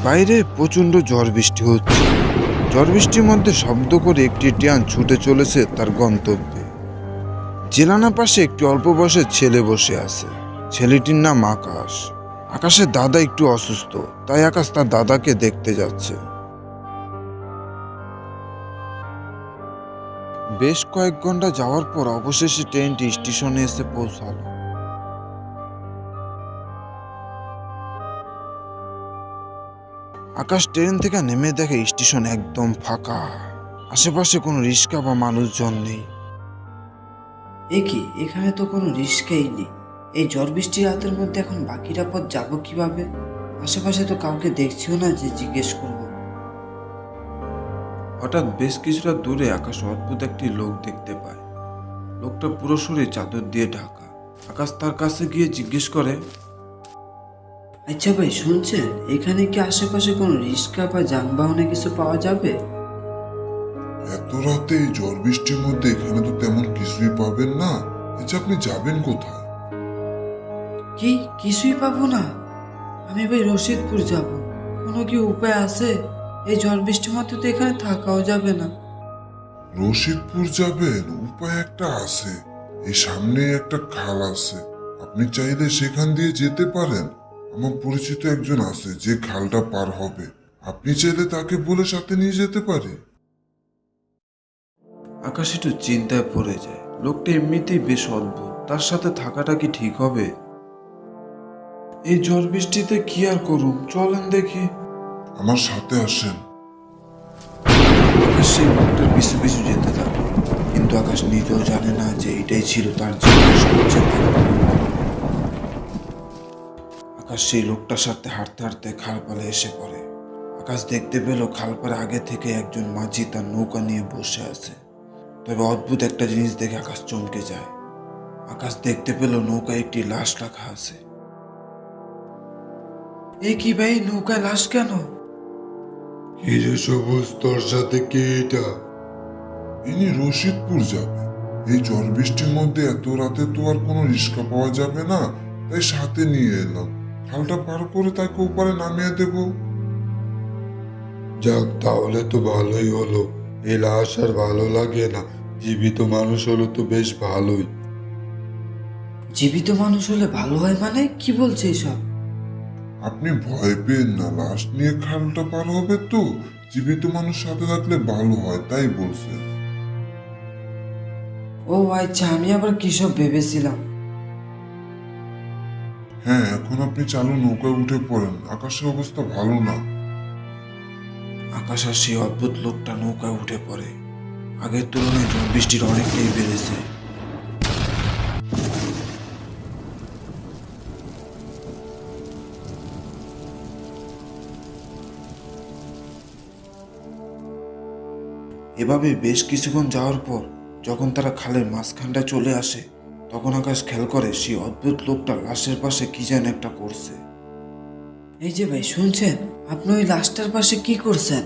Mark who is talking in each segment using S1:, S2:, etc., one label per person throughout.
S1: বাইরে প্রচণ্ড ঝড় বৃষ্টি হচ্ছে। ঝড় বৃষ্টির মধ্যে শব্দ করে একটি ট্রেন ছুটে চলেছে তার গন্তব্যে। জেলানা পাশে একটি অল্প বয়সের ছেলে বসে আছে। ছেলেটির নাম আকাশ। আকাশের দাদা একটু অসুস্থ, তাই আকাশ তার দাদাকে দেখতে যাচ্ছে। বেশ কয়েক ঘন্টা যাওয়ার পর অবশেষে ট্রেনটি স্টেশনে এসে পৌঁছালো। আকাশ ট্রেন থেকে নেমে দেখে স্টেশন একদম ফাঁকা। আশেপাশে কোনো রিক্সা বা মানুষজন নেই।
S2: কি এখানে তো কোনো রিস্কেই নেই। এই ঝড় বৃষ্টির রাতের মধ্যে এখন বাকিরা পথ যাবো কিভাবে? আশেপাশে তো কাউকে দেখছিও না যে জিজ্ঞেস করব।
S1: হঠাৎ বেশ কিছুটা দূরে আকাশ অদ্ভুত একটি লোক দেখতে পায়। লোকটা পুরো শরীর চাদর দিয়ে ঢাকা। আকাশ তার কাছে গিয়ে জিজ্ঞেস করে,
S2: আচ্ছা ভাই, শুনছেন এখানে কি আশেপাশে কোনো রিক্সা বা যানবাহনে কিছু পাওয়া যাবে?
S3: এত রাতে এই ঝড় বৃষ্টির মধ্যে এখানে তো তেমন কিছুই পাবেন না। আচ্ছা, আপনি যাবেন কোথায়?
S2: কি কিছুই পাবো না? আমি ভাই রশিদপুর যাব। কোনো কি উপায় আছে? এই ঝড় বৃষ্টির মধ্যে তো এখানে থাকাও যাবে না।
S3: রশিদপুর যাবেন? উপায় একটা আছে। এই সামনে একটা খাল আছে, আপনি চাইলে সেখান দিয়ে যেতে পারেন। আমার পরিচিত একজন আছে যে খালটা পার হবে, আপনি চাইলে তাকে বলে সাথে নিয়ে যেতে পারে।
S1: আকাশ একটু চিন্তায় পড়ে যায়। লোকটা এমনিতেই বেশ অদ্ভুত, তার সাথে থাকাটা কি ঠিক হবে? এই ঝড় বৃষ্টিতে কি আর করুম, চলেন দেখি।
S3: আমার সাথে আসেন।
S1: আকাশ সেই লোকটার পিছু পিছু যেতে থাকে, কিন্তু আকাশ নিজেও জানে না যে এটাই ছিল তার জীবনের সবচেয়ে বড় ভুল। আকাশ সেই লোকটার সাথে হাঁটতে হাঁটতে খালপাড়ে এসে পড়ে। আকাশ দেখতে পেল খালপাড়ে আগে থেকে একজন মাঝি তার নৌকা নিয়ে বসে আছে। তবে অদ্ভুত একটা জিনিস দেখে আকাশ চমকে যায়। আকাশ দেখতে পেল নৌকায় একটি লাশ রাখা আছে। কি ভাই, নৌকায় লাশ কেন?
S3: হিরে সবুজ, তোর সাথে কে এটা? ইনি রশিদপুর যাবে। এই ঝড় বৃষ্টির মধ্যে এত রাতে তো আর কোনো রিক্সা পাওয়া যাবে না, তাই সাথে নিয়ে এলাম। খালটা পার করে তাকে ওপারে নামিয়ে দেব।
S4: যাক, তাহলে তো ভালোই হলো। এই লাশ আর ভালো লাগে না, জীবিত মানুষ হলো তো বেশ ভালোই।
S2: জীবিত মানুষ হলে ভালো হয় মানে কি বলছে এসব?
S3: আপনি ভয় পেন না, লাশ নিয়ে খালটা পার হবে তো। জীবিত মানুষ সাথে থাকলে ভালো হয়, তাই বলছে।
S2: ও আচ্ছা, আমি আবার কি সব ভেবেছিলাম।
S3: হ্যাঁ, এখন আপনি চালু নৌকায় উঠে পড়েন, আকাশের অবস্থা ভালো না।
S1: আকাশ আর সেই অদ্ভুত লোকটা নৌকায় উঠে পড়ে। আগের তুলনায় ঝড় বৃষ্টির অনেকটাই বেড়েছে। এভাবে বেশ কিছুক্ষণ যাওয়ার পর যখন তারা খালের মাঝখানটা চলে আসে, তখন আকাশ খেয়াল করে সেই অদ্ভুত লোকটা লাশের পাশে কি যেন একটা করছে।
S2: এই যে ভাই, শুনছেন? আপনি ওই লাশটার পাশে কি করছেন?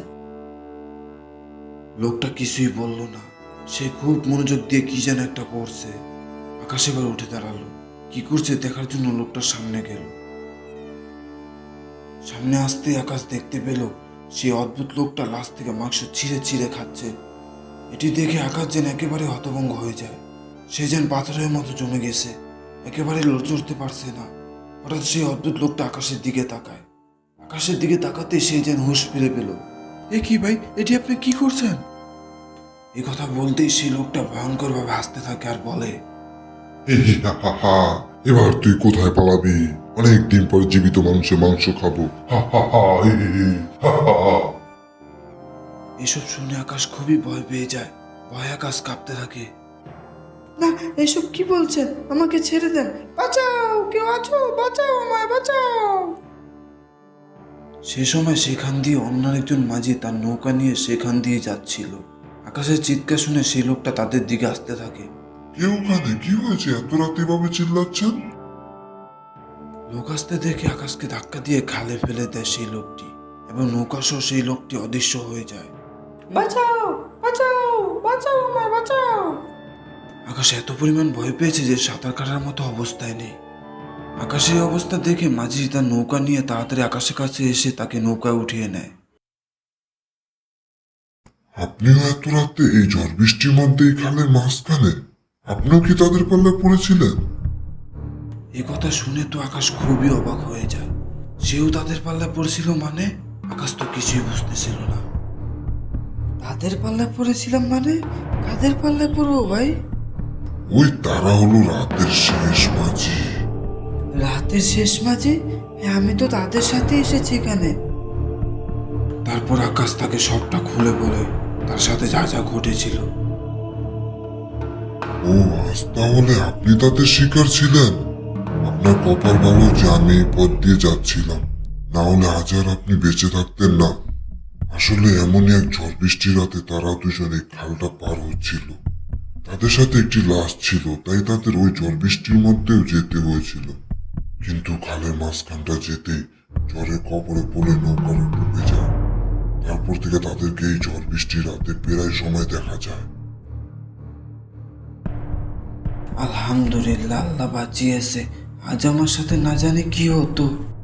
S1: লোকটা কিছুই বলল না। সে খুব মনোযোগ দিয়ে কি যেন একটা করছে। আকাশ এবার উঠে দাঁড়ালো। কি করছে দেখার জন্য লোকটার সামনে গেল। সামনে আসতে আকাশ দেখতে পেল সেই অদ্ভুত লোকটা লাশ থেকে মাংস ছিঁড়ে ছিঁড়ে খাচ্ছে। এটি দেখে আকাশ যেন একেবারে হতভম্ব হয়ে যায়। সে যেন পাথরের মতো জমে গেছে, একেবারে লড়তে পারছে না। হঠাৎ সেই অদ্ভুত লোকটা আকাশের দিকে তাকায়। আকাশের দিকে তাকাতে সে যেন হুঁশ ফিরে পেল। কি ভাই, এটি আপনি কি করছেন? এই কথা বলতেই সেই লোকটা ভয়ঙ্কর ভাবে হাসতে থাকে আর বলে,
S3: হি হি হা হা হা, এবার তুই কোথায় পালাবি? অনেকদিন পর জীবিত মানুষের মাংস খাবো। হা হা হা, হি হি হি, হা হা হা।
S1: এসব শুনে আকাশ খুবই ভয় পেয়ে যায়। ভয় আকাশ কাঁপতে থাকে।
S2: না, এসব কি বলছেন? আমাকে ছেড়ে দেন, বাঁচাও, কেউ আছো, বাঁচাও, আমায় বাঁচাও।
S1: সে সময় সেখান দিয়ে অন্য একজন মাঝি তার নৌকা নিয়ে সেখান দিয়ে যাচ্ছিল। আকাশের চিৎকার শুনে সেই লোকটা তাদের দিকে আসতে থাকে।
S3: কে ওখানে? কি হয়েছে? এত রাতে এভাবে চিল্লাচ্ছেন?
S1: লোক আসতে দেখে আকাশকে ধাক্কা দিয়ে খালে ফেলে দেয় সেই লোকটি, এবং নৌকা সহ সেই লোকটি অদৃশ্য হয়ে যায়।
S2: বাঁচাও, বাঁচাও, বাঁচাও, আমায় বাঁচাও।
S1: আকাশ এত পরিমাণ ভয় পেয়েছে যে সাঁতার কাটার মতো অবস্থায় নেই। আকাশের অবস্থা দেখে মাঝি তার নৌকা নিয়ে তাড়াতাড়ি আকাশের কাছে এসে তাকে নৌকায় উঠিয়ে নেয়।
S3: আপনিও এত রাতে এই ঝড় বৃষ্টির মধ্যে এই খালের মাঝখানে? আপনিও কি তাদের পাল্লায় পড়েছিলেন?
S1: এ কথা শুনে তো আকাশ খুবই অবাক হয়ে যায়। সেও তাদের পাল্লায় পড়েছিল মানে? আকাশ তো কিছুই বুঝতেছিল না।
S2: তাদের পাল্লায় পড়েছিলাম মানে? কাদের পাল্লায় পড়বো ভাই?
S3: ওই তারা হলো রাতের শেষ মাঝি।
S2: রাতের শেষ মাঝে? হ্যাঁ, আমি তো তাদের সাথে এসেছি এখানে।
S1: তারপর আকাশ তাকে সবটা খুলে বলে তার সাথে যা যা ঘটেছিল।
S3: ও আজ তাহলে আপনি তাদের শিকার ছিলেন। আপনার কপাল ভালো যে আমি এই পথ দিয়ে যাচ্ছিলাম, না হলে আজ আর আপনি বেঁচে থাকতেন না। আসলে এমনই এক ঝড় বৃষ্টির রাতে তারা দুজন এই খালটা পার হচ্ছিল। তাদের সাথে একটি লাশ ছিল, তাই তাদের ওই ঝড় বৃষ্টির মধ্যেও যেতে হয়েছিল। কিন্তু খালের মাঝখানটা যেতেই ঝড়ের কবলে পড়ে নৌকাটা ডুবে যায়। তারপর থেকে তাদেরকে এই ঝড় বৃষ্টির রাতে প্রায় সময় দেখা যায়।
S2: আলহামদুলিল্লাহ, আল্লাহ বাঁচিয়েছে। আজ আমার সাথে না জানি কি হতো।